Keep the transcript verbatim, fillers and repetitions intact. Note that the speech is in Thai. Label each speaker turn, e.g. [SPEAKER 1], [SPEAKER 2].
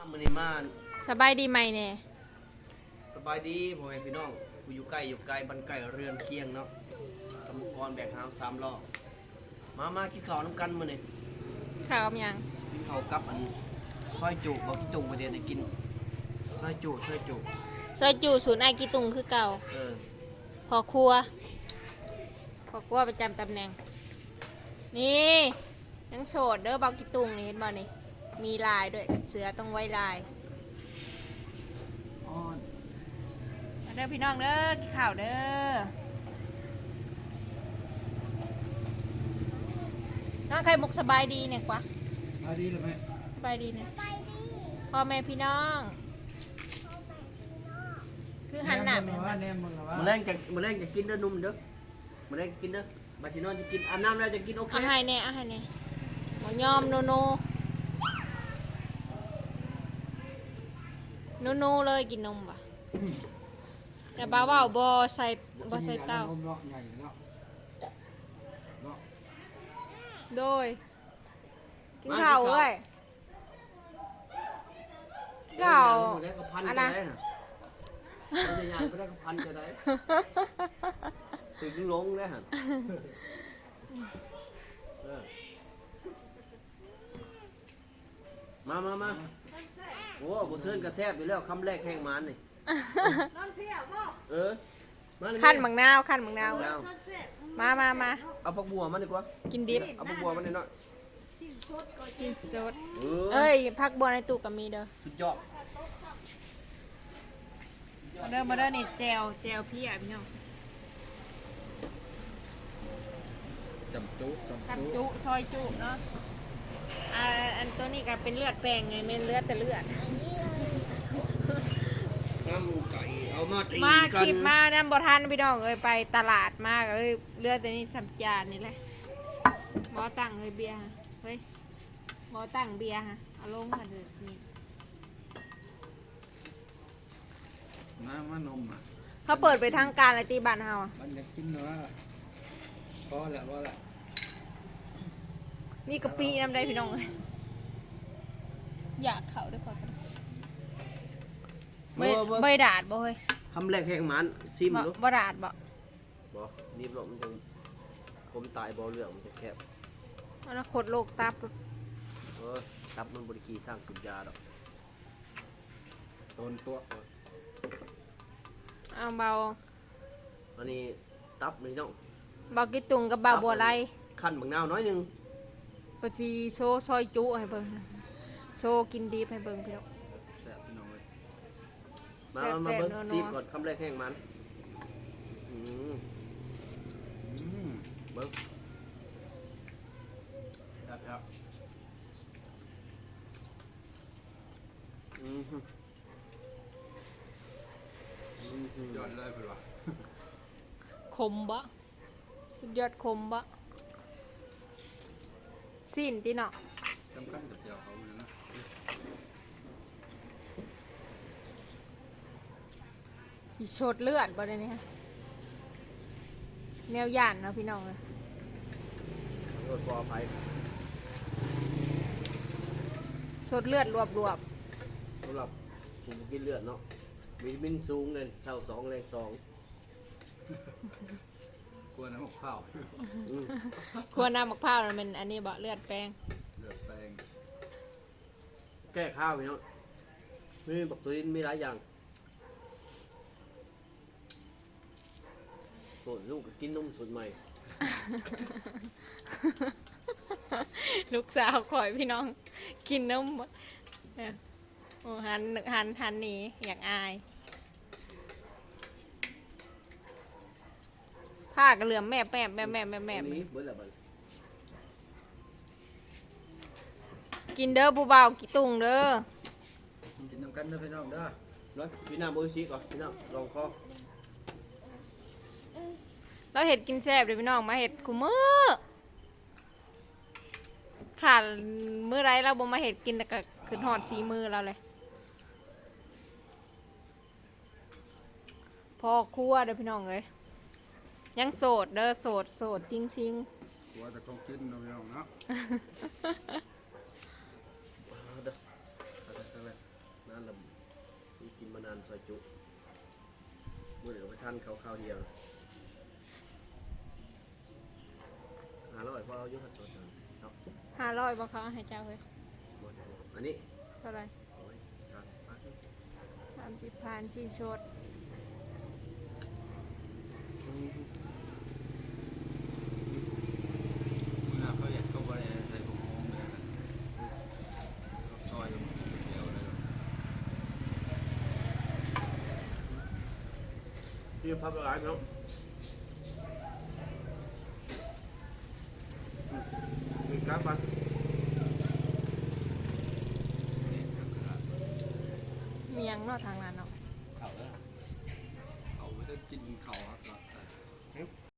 [SPEAKER 1] มื้อนี้มา
[SPEAKER 2] สบายดีไหมเนี่ย
[SPEAKER 1] สบายดีพ่อแม่พี่น้องกูอยู่ใกล้อยู่ไกลบ้านไกลเรือนเคียงเนาะกรรมกรแบกหามสามล้อมามากินข้าวน้ำกันมื้อนี้
[SPEAKER 2] ข้าวกับยัง
[SPEAKER 1] กินข้าวกับอันซอยจุบ่กินตุงประเดี๋ยวได้กินซอยจุซอยจุ
[SPEAKER 2] ซอยจูศูนย์ไอกีตุงคือเก่า
[SPEAKER 1] เออ
[SPEAKER 2] พอครัวพอครัวประจำตำแหน่งนี่ยังโสดเด้อเบากีตุงนี่เห็นบ่นี่มีลายด้วยเสือต้องไว้ลายมาเด้อพี่น้องเด้อกินข้าวเด้อน้องไข่มุกสบายดีเนี่ยกว่า
[SPEAKER 3] สบายดีหรือไม่
[SPEAKER 2] สบายดีเนี่ยพ่อแม่พี่น้องคือหันหน้าไป
[SPEAKER 3] ว่าแนมมึงว่า
[SPEAKER 1] มื้อแรงจะมื้อแรงจะกินเด้อนุ่มเด้อมื้อแรงกินเด้อบัดสินอนจะกินอาบน้ำแล้วจะกินโอเค
[SPEAKER 2] อาหารเนี่ยอาหารเนี่ยหมูยอมโนโนโนโนเลยกินนมป่ะแต่บ้าว่าบอใส่บอใส่เต้าโดยกินข้าวเลยข้าว
[SPEAKER 1] อันนั้นจะยางก็ได้ก็พันจะได้ถึงลงได้ฮะมามามาโอ้บุเซินกระแซบอยู่แล้วคำแรกแห้งมันนี่เออ
[SPEAKER 2] ขั้นมังนาวขั้นมังนาวมามามา
[SPEAKER 1] เอาผักบัวมันดีกว่า
[SPEAKER 2] กินดิบ
[SPEAKER 1] เอาผักบัวมันหน่อย
[SPEAKER 2] ชิ้นสดเอ้ยผักบัวในตู้ก็มีเด้อ
[SPEAKER 1] สุดยอด
[SPEAKER 2] มาเด้อมาเด้อนี่แจวแจวพี่อ่ะพี่น้อง
[SPEAKER 3] จำจุ
[SPEAKER 2] จำจุซอยจุเนาะอ่าอันตัวนี้ก็เป็นเลือดแปลงไงเป็นเลือดแต่เลือด
[SPEAKER 1] น้ำไก่เอามาตี
[SPEAKER 2] มาคลิปมาน้ำบ่ทันพี่น้องเอ้ยไปตลาดมากเลยเลือดตัวนี้สัมจานนี่แหละบ่ตั้งเลยเบียร์เฮ้ยบ่ตั้งเบียร์ฮะเอาลงมาเด้อนี่
[SPEAKER 3] น้ำมันนมอ่ะ
[SPEAKER 2] เขาเปิดไปทางการเลยตีบ้านเฮา
[SPEAKER 3] มันอยากกินเนื้อพอแล้วพอแล้ว
[SPEAKER 2] มีกะปิน้ำได้พี่น้องเลยอยากเขาด้วยกันใบใบดาดบ่เฮ้ย
[SPEAKER 1] คำแรกแห้งมันซิมดู
[SPEAKER 2] บ่ดาดบ่
[SPEAKER 1] บ่รีบหลบมันจะผมตายบ่เรื่องมันจะแคบ
[SPEAKER 2] มันขดโลกตับ
[SPEAKER 1] เออตับมันบริคีสร้างสุญญาดอก
[SPEAKER 3] ต้นตัว
[SPEAKER 2] เอาเบา
[SPEAKER 1] อันนี้ตับนี่น้อง
[SPEAKER 2] เบากิตุงกับเบาบัวไร
[SPEAKER 1] ขั้นบางนาวน้อยนึง
[SPEAKER 2] ปจีโชว์ซอยจุให้เบิ่งโชว์กินดีให้เบิ่งพี่น้อง
[SPEAKER 1] แซ่บพี่น้องเลยมามาเบิ่งซีก่อนคำแรกแห้งมันอืมเบิ่งครับครับอืม
[SPEAKER 3] ยอดเลยเพื่อน
[SPEAKER 2] คมบะยอดคมบะสิ้นตีเนาะ
[SPEAKER 3] สำคัญกับเดียวเขาเลยนะ
[SPEAKER 2] กี่โชดเลือดบ่ได้เนี่ยแนวย่านเนาะพี่น้องเลย
[SPEAKER 1] รถปลอดภัย
[SPEAKER 2] โชดเลือดรวบรวบ
[SPEAKER 1] สำหรับผมกินเลือดเนาะวิตามินสูงเลยเช้าสองแรงสอง
[SPEAKER 3] กลัวน้ำมะพร้าว
[SPEAKER 2] ควรน้ำมะพร้าวมันอันนี้บ่เลือดแป้ง
[SPEAKER 3] เลือดแป้ง
[SPEAKER 1] แก้ข้าวพี่น้องมีบักตัวนี้มีหลายอย่างโอ้ลูกกินนมสดใหม่
[SPEAKER 2] ลูกสาวคอยพี่น้องกินนมโอ้หันหันหันหนีอยากอายผ้ากระเหลื่อมแม่แม่แม่แม่แม่แม่กินเด้อผู้บ่าวกิตุงเด้อ
[SPEAKER 3] กินน้ำกันเด้อพี่น้องเด้อ
[SPEAKER 1] ร้อยพี่น้ำโบยชีก่อนพี่น้ำลองคอ
[SPEAKER 2] เราเห็ดกินแซ่บเลยพี่น้องมาเห็ดกูมือขาดมือไรเราบ่มาเห็ดกินแต่ก็ขึ้นหอดสีมือเราเลยพอคั่วเด้อพี่น้องเลยยังโสดเด้อโสดโสดชิงชิง
[SPEAKER 3] กลัวแต่เขากินเราพี่น้องเนาะ
[SPEAKER 1] นั่นแหละที่กินมานานซอยจุเมื่อเดี๋ยวไปทานข้าวข้าวเดียวหาร้อยพอเอาเยอะขัดสดนะเนาะ
[SPEAKER 2] ห้าร้อยบ่เขาให้เจ้าเฮ้ย
[SPEAKER 1] หมดอันนี้
[SPEAKER 2] เท่าไหร่
[SPEAKER 1] โอ้ยครับมาที่
[SPEAKER 2] สามสิบพันชิ้นสด
[SPEAKER 3] มึงอ่ะเขาอยากก็บริใส่ผมโมงเลยนะซอยมันเดียวเลย
[SPEAKER 1] พี่พับละลายเนาะมีกราฟปะ
[SPEAKER 2] มีหยังเนาะทางนั้นเนาะ